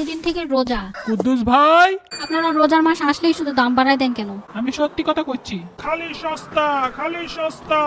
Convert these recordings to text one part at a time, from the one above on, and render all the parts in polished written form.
পরশুদিন থেকে রোজা। কুদ্দুস ভাই, আপনারা রোজার মাস আসলেই শুধু দাম বাড়ায় দেন কেন? আমি সত্যি কথা কইছি। খালি সস্তা, খালি সস্তা।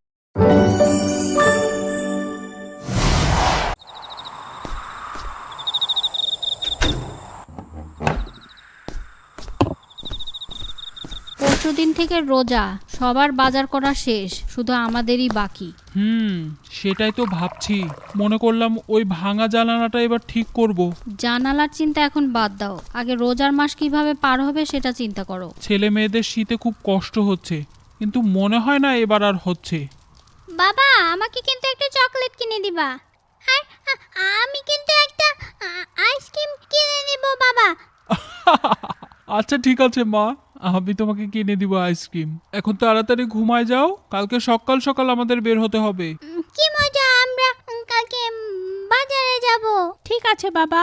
পরশুদিন থেকে রোজা, সবার বাজার করা শেষ, শুধু আমাদেরই বাকি। সেটাই তো ভাবছি। মনে করলাম ওই ভাঙা জানালাটা এবার ঠিক করব। জানালার চিন্তা এখন বাদ দাও, আগে রোজার মাস কিভাবে পার হবে সেটা চিন্তা করো। ছেলে মেয়েদের শীতে খুব কষ্ট হচ্ছে, কিন্তু মনে হয় না এবার আর হচ্ছে। বাবা, আমাকে কিন্তু একটা চকলেট কিনে দিবা। আর আমি কিন্তু একটা আইসক্রিম কিনে নিব বাবা। আচ্ছা ঠিক আছে মা, আমি তোমাকে কিনে দিব আইসক্রিম। এখন তাড়াতাড়ি ঘুমায় যাও, কালকে সকাল সকাল আমাদের বের হতে হবে। কি মজা, আমরা কালকে বাজারে যাব। ঠিক আছে বাবা।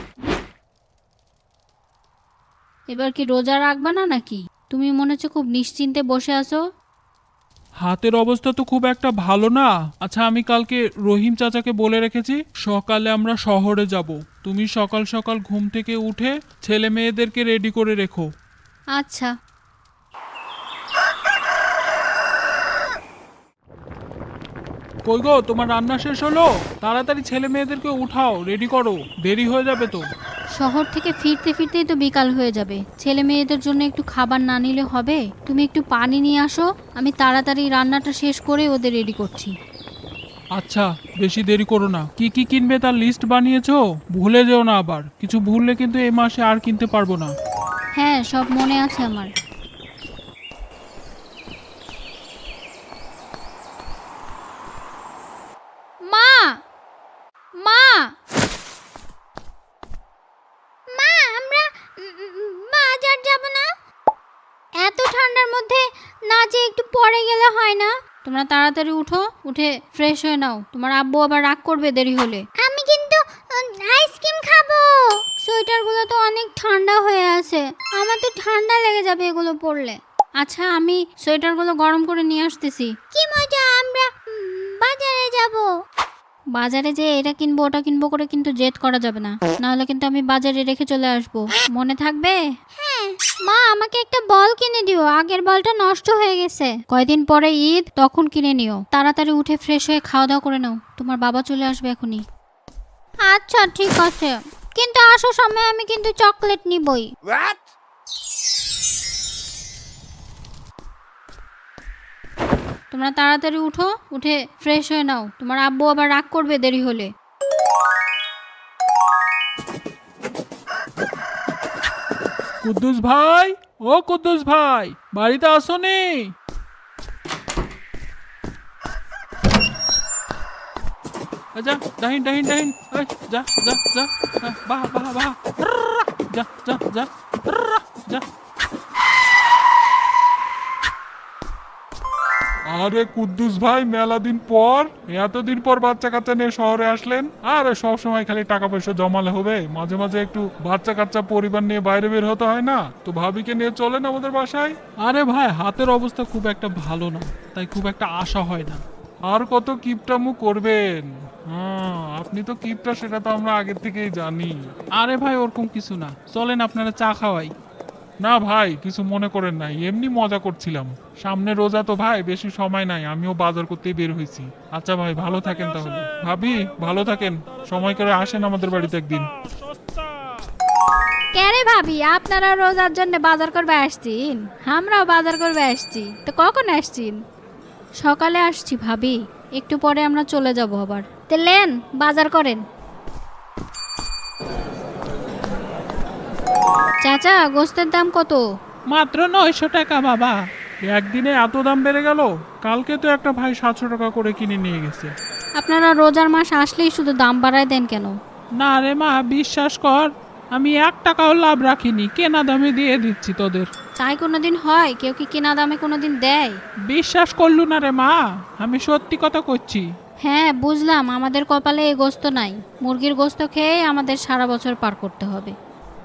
এবার কি রোজা রাখবা না নাকি? তুমি মনে হচ্ছে খুব নিশ্চিন্তে বসে আছো। হাতের অবস্থা তো খুব একটা ভালো না। আচ্ছা, আমি কালকে রহিম চাচাকে বলে রেখেছি সকালে আমরা শহরে যাব। তুমি সকাল সকাল ঘুম থেকে উঠে ছেলে মেয়েদেরকে রেডি করে রেখো। আচ্ছা। কই গো, তোমার রান্না শেষ হলো? তাড়াতাড়ি ছেলে মেয়েদেরকে উঠাও, রেডি করো, দেরি হয়ে যাবে তো। শহর থেকে ফিরতে ফিরতেই তো বিকাল হয়ে যাবে, ছেলে মেয়েদের জন্য একটু খাবার না নিলে হবে? তুমি একটু পানি নিয়ে আসো, আমি তাড়াতাড়ি রান্নাটা শেষ করে ওদের রেডি করছি। আচ্ছা, বেশি দেরি করো না। কি কি কিনবে তার লিস্ট বানিয়েছো? ভুলে যেও না আবার। কিছু ভুললে কিন্তু এই মাসে আর কিনতে পারবো না। হ্যাঁ, সব মনে আছে আমার। মা, মা, মা, আমরা বাজার যাব না? এত ঠান্ডার মধ্যে না যে একটু পরে গেলে হয় না? তোমরা তাড়াতাড়ি উঠো, উঠে ফ্রেশ হয়ে নাও, তোমার আব্বু আবার রাগ করবে দেরি হলে। আমি কিন্তু আইসক্রিম খাবো। সোয়েটারগুলো তো অনেক ঠান্ডা হয়ে আছে, আমার তো ঠান্ডা লেগে যাবে এগুলো পরলে। আচ্ছা, আমি সোয়েটারগুলো গরম করে নিয়ে আসতেছি। কি মজা, আমরা বাজারে যাব। বাজারে যে এটা কিনবো ওটা কিনবো করে কিন্তু জেদ করা যাবে না, নাহলে কিন্তু আমি বাজারে রেখে চলে আসবো, মনে থাকবে? হ্যাঁ মা, আমাকে একটা বল কিনে দিও, আগের বলটা নষ্ট হয়ে গেছে। কয়দিন পরে ঈদ, তখন কিনে নিও। তাড়াতাড়ি উঠে ফ্রেশ হয়ে খাওয়া দাওয়া করে নাও, তোমার বাবা চলে আসবে এখনই। আচ্ছা ঠিক আছে, কিন্তু আসার সময় আমি কিন্তু চকলেট নিবই। তোমরা তাড়াতাড়ি উঠো, উঠে ফ্রেশ হয়ে নাও, তোমার আব্বু আবার রাগ করবে দেরি হলে। কুদ্দুস ভাই, ও কুদ্দুস ভাই, বাড়িতে আসোনি? যা, ডাহিন ডাহিন ডাহিন, এই, যা যা যা, বাহ বাহ বাহ, যা যা যা যা। আরে কুদ্দুস ভাই, মেলা দিন পর, এতদিন পর বাচ্চা কাচ্চা নিয়ে শহরে আসলেন। আরে সব সময় খালি টাকা পয়সা জমালে হবে? মাঝে মাঝে একটু বাচ্চা কাচ্চা পরিবার নিয়ে বাইরে বের হতে হয় না? তো ভাবিকে নিয়ে চলেন আমাদের বাসায়। আরে ভাই, হাতের অবস্থা খুব একটা ভালো না, তাই খুব একটা আশা হয় না। আর কত কিপটামু করবেন? হ্যাঁ, আপনি তো কিপটা, সেটা তো আমরা আগের থেকেই জানি। আরে ভাই, ওরকম কিছু না, চলেন আপনারা চা খাওয়াই। না ভাই, কিছু মনে করেন নাই, এমনি মজা করছিলাম। সামনে রোজা তো ভাই, বেশি সময় নাই, আমিও বাজার করতেই বের হয়েছি। আচ্ছা ভাই, ভালো থাকেন তাহলে। ভাবি, ভালো থাকেন, সময় করে আসেন আমাদের বাড়িতে একদিন। কেরে ভাবি, আপনারা রোজার জন্য বাজার করবে আসছেন? আমরাও বাজার করবে আসছি। তো কখন আসছেন? সকালে আসছি ভাবি, একটু পরে আমরা চলে যাব আবার। তো লেন, বাজার করেন। চাচা, গোস্তের দাম কত? মাত্র 900 টাকা বাবা। একদিনে এত দাম বেড়ে গেল? কালকে তো একটা ভাই 700 টাকা করে কিনে নিয়ে গেছে। আপনারা রোজার মাস আসলেই শুধু দাম বাড়ায় দেন কেন? না রে মা, বিশ্বাস কর, আমি 1 টাকাও লাভ রাখিনি, কেনা দামে দিয়ে দিচ্ছি তোদের। তাই কোনোদিন হয়? কেউ কি কেনা দামে কোনোদিন দেয়? বিশ্বাস করলু না রে মা, আমি সত্যি কথা করছি। হ্যাঁ বুঝলাম, আমাদের কপালে এই গোস্ত নাই। মুরগির গোস্ত খেয়ে আমাদের সারা বছর পার করতে হবে।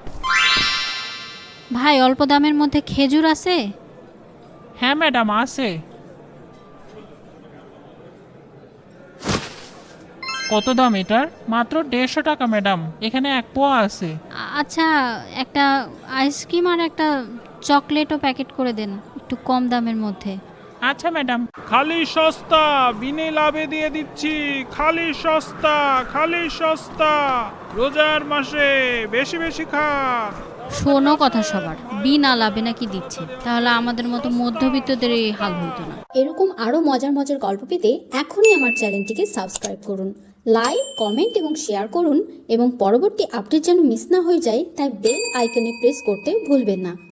ভাই, অল্প দামের মধ্যে খেজুর আছে? হ্যাঁ ম্যাডাম, আছে। কত দাম এটার? মাত্র 150 টাকা ম্যাডাম, এখানে 1 পোয়া আছে। আচ্ছা, একটা আইসক্রিম আর একটা চকলেটও প্যাকেট করে দেন, একটু কম দামের মধ্যে। আচ্ছা ম্যাডাম। খালি সস্তা, বিনে লাভে দিয়ে দিচ্ছি। খালি সস্তা, খালি সস্তা। রোজার মাসে বেশি বেশি খান। শোনো কথা সবার, বিনা লাভে নাকি দিচ্ছে, তাহলে আমাদের মতো মধ্যবিত্তদের এই হাল হইতো না। এরকম আরও মজার মজার গল্প পেতে এখনই আমার চ্যানেলটিকে সাবস্ক্রাইব করুন, লাইক, কমেন্ট এবং শেয়ার করুন এবং পরবর্তী আপডেট যেন মিস না হয়ে যায় তাই বেল আইকনে প্রেস করতে ভুলবেন না।